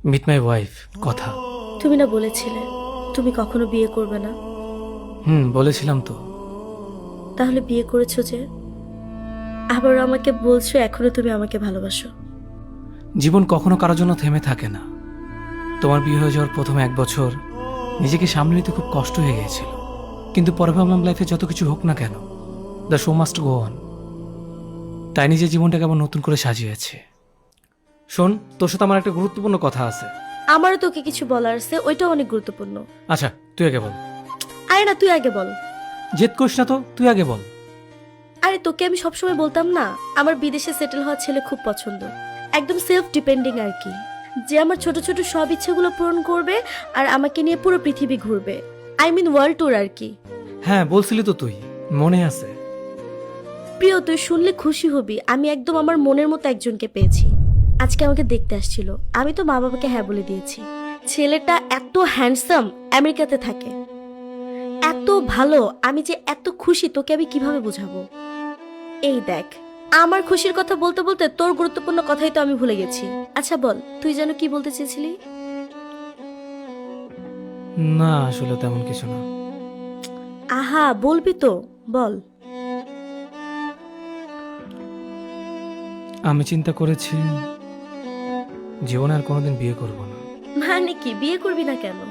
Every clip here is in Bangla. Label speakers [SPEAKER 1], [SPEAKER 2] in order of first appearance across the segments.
[SPEAKER 1] মিট মাই ওয়াইফ কথা।
[SPEAKER 2] তুমি না বলেছিলে তুমি কখনো বিয়ে করবে না?
[SPEAKER 1] বলেছিলাম তো।
[SPEAKER 2] তাহলে বিয়ে করেছো যে? আবার আমাকে বলছো এখনো তুমি আমাকে ভালোবাসো।
[SPEAKER 1] জীবন কখনো কারোর জন্য থেমে থাকে না। তোমার বিয়ে হয়ে যাওয়ার প্রথম 1 বছর নিজেকে সামলে নিতে খুব কষ্ট হয়ে গিয়েছিল, কিন্তু পরে ভাবলাম লাইফে যত কিছু হোক না কেন, the show must go on. তাই নিজের জীবনটাকে আবার নতুন করে সাজিয়েছে। শোন, তোর সাথে আমার একটা গুরুত্বপূর্ণ কথা আছে।
[SPEAKER 2] আমারও তোকে কিছু বলার আছে, ওইটাও অনেক গুরুত্বপূর্ণ।
[SPEAKER 1] আচ্ছা, তুই আগে বল।
[SPEAKER 2] আরে না, তুই আগে বল।
[SPEAKER 1] জেদ করিস না তো, তুই আগে বল।
[SPEAKER 2] আরে তোকে আমি সবসময় বলতাম না, আমার বিদেশে সেটেল হওয়া ছেলে খুব পছন্দ, একদম সেলফ ডিপেন্ডিং আর কি, যে আমার ছোট ছোট সব ইচ্ছেগুলো পূরণ করবে আর আমাকে নিয়ে পুরো পৃথিবী ঘুরবে। আই মিন ওয়ার্ল্ড ট্যুর আর কি।
[SPEAKER 1] হ্যাঁ, বলছিলি তো তুই, মনে আছে।
[SPEAKER 2] প্রিয়, তুই শুনলে খুশি হবি, আমি একদম আমার মনের মতো একজনকে পেয়েছি। আজকে আমাকে দেখতে আসছিল, আমি তো মা বাবাকে হ্যাঁ বলে দিয়েছি। ছেলেটা এত হ্যান্ডসাম, আমেরিকাতে থাকে, এত ভালো, আমি যে এত খুশি তোকে আমি কিভাবে বোঝাবো। এই দেখ, আমার খুশির কথা বলতে বলতে তোর গুরুত্বপূর্ণ কথাই তো আমি ভুলে গেছি। আচ্ছা বল, তুই যেন কি বলতে চেয়েছিলি?
[SPEAKER 1] না, আসলে তেমন কিছু না।
[SPEAKER 2] আহা, বলবি তো, বল।
[SPEAKER 1] আমি চিন্তা করেছি জীবনে আর কোনোদিন বিয়ে করব না।
[SPEAKER 2] মানে কি, বিয়ে করবি না কেন?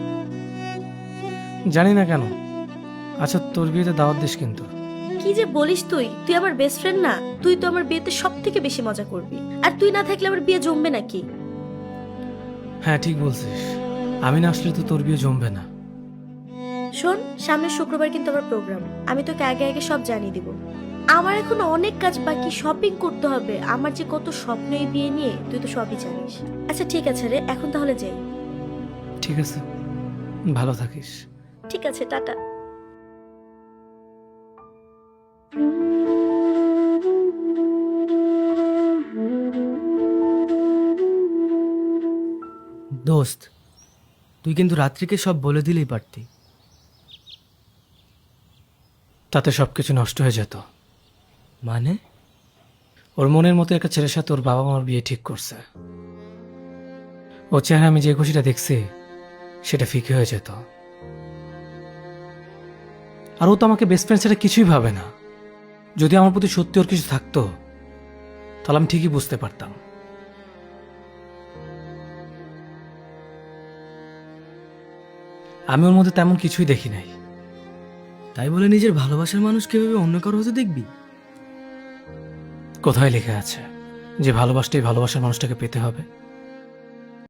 [SPEAKER 1] জানি না কেন। আচ্ছা, তোর বিয়েতে দাওয়াত দিস কিন্তু।
[SPEAKER 2] কি যে বলিস তুই, তুই আমার বেস্ট ফ্রেন্ড না? তুই তো আমার বিয়েতে সব থেকে বেশি মজা করবি, আর তুই না থাকলে আমার বিয়ে জমবে নাকি?
[SPEAKER 1] হ্যাঁ, ঠিক বলছিস, আমি না আসলে তো তোর বিয়ে জমবে না।
[SPEAKER 2] শোন, সামনের শুক্রবার কিন্তু আমার প্রোগ্রাম, আমি তোকে আগে আগে সব জানিয়ে দিব। আমার এখন অনেক কাজ বাকি, শপিং করতে হবে, আমার যে কত স্বপ্ন এই বিয়ে নিয়ে, তুই তো সবই জানিস। আচ্ছা ঠিক আছে রে, এখন তাহলে যাই।
[SPEAKER 1] ঠিক আছে, ভালো থাকিস।
[SPEAKER 2] ঠিক আছে, টাটা।
[SPEAKER 3] দোস্ত, তুই কিন্তু রাত্রিকে সব বলে দিলেই পারতি।
[SPEAKER 1] তাতে সবকিছু নষ্ট হয়ে যেত।
[SPEAKER 3] মানে?
[SPEAKER 1] ওর মনের মতো একটা ছেলের সাথে ওর বাবা মার বিয়ে ঠিক করছে। ওর চেহারা আমি যে খুশিটা দেখছি সেটা ফিকে হয়ে যেত। আর ও তো আমাকে বেস্ট ফ্রেন্ড ছাড়া কিছুই ভাবে না। যদি আমার প্রতি সত্যি ওর কিছু থাকতো তাহলে আমি ঠিকই বুঝতে পারতাম। আমি ওর মধ্যে তেমন কিছুই দেখি নাই।
[SPEAKER 3] তাই বলে নিজের ভালোবাসার মানুষ কিভাবে অন্য কারো হতে দেখবি?
[SPEAKER 1] কোথায় লেখা আছে যে ভালোবাসতেই ভালোবাসার মানুষটাকে পেতে হবে?